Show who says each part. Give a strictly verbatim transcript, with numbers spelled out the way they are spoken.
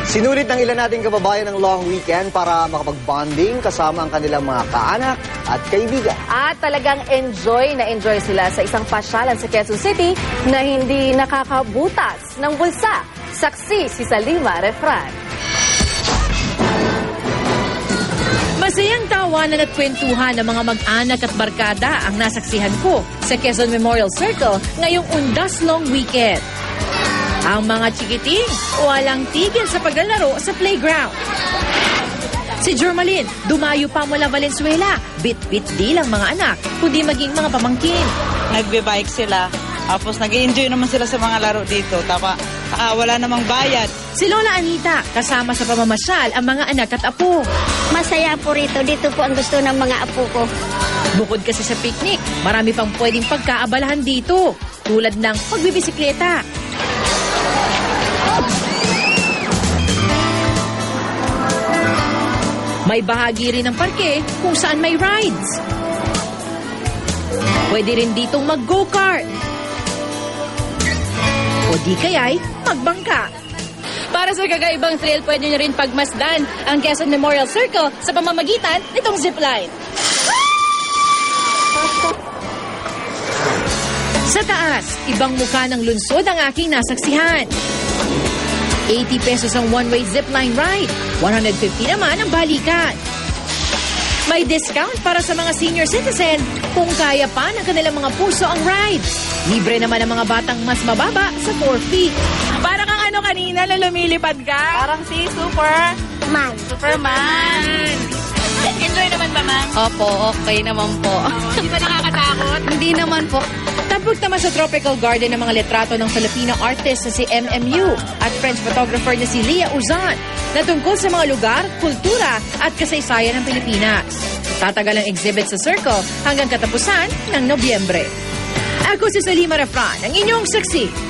Speaker 1: Sinulit ng ilan nating kababayan ng long weekend para makapag-bonding kasama ang kanilang mga kaanak at kaibigan.
Speaker 2: At talagang enjoy na enjoy sila sa isang pasyalan sa Quezon City na hindi nakakabutas ng bulsa. Saksi si Salima Refran.
Speaker 3: Masayang tawanan at kwentuhan ng mga mag-anak at barkada ang nasaksihan ko sa Quezon Memorial Circle ngayong undas long weekend. Ang mga chikiting walang tigil sa paglalaro sa playground. Si Jermaline, dumayo pa mula Valenzuela. Bit-bit di lang mga anak, kundi maging mga pamangkin.
Speaker 4: Nagbe-bike sila. Tapos nag-enjoy naman sila sa mga laro dito. Tapa, ah, wala namang bayad.
Speaker 3: Si Lola Anita, kasama sa pamamasyal ang mga anak at apo.
Speaker 5: Masaya po rito. Dito po ang gusto ng mga apo ko.
Speaker 3: Bukod kasi sa picnic, marami pang pwedeng pagkaabalahan dito. Tulad ng pagbibisikleta. May bahagi rin ng parke kung saan may rides. Pwede rin ditong mag-go-kart. O di kaya'y magbangka. Para sa kagaibang thrill, pwede nyo rin pagmasdan ang Quezon Memorial Circle sa pamamagitan nitong zipline. Sa taas, ibang mukha ng lungsod ang aking nasaksihan. eighty pesos ang one-way zipline ride. one hundred fifty naman ang balikan. May discount para sa mga senior citizen kung kaya pa ng kanilang mga puso ang ride. Libre naman ang mga batang mas mababa sa four feet.
Speaker 4: Para kang ano kanina, lumilipad ka? Parang si Super...
Speaker 5: Man.
Speaker 4: Superman. Enjoy naman ba, man?
Speaker 3: Opo, okay naman po.
Speaker 4: Hindi ba nakakatakot?
Speaker 3: Hindi naman po. Tapos naman sa tropical garden ng mga litrato ng Filipino artist na si M M U at French photographer na si Leah Uzan na tungkol sa mga lugar, kultura at kasaysayan ng Pilipinas. Tatagal ang exhibit sa Circle hanggang katapusan ng Nobyembre. Ako si Salima Refran, ang inyong saksi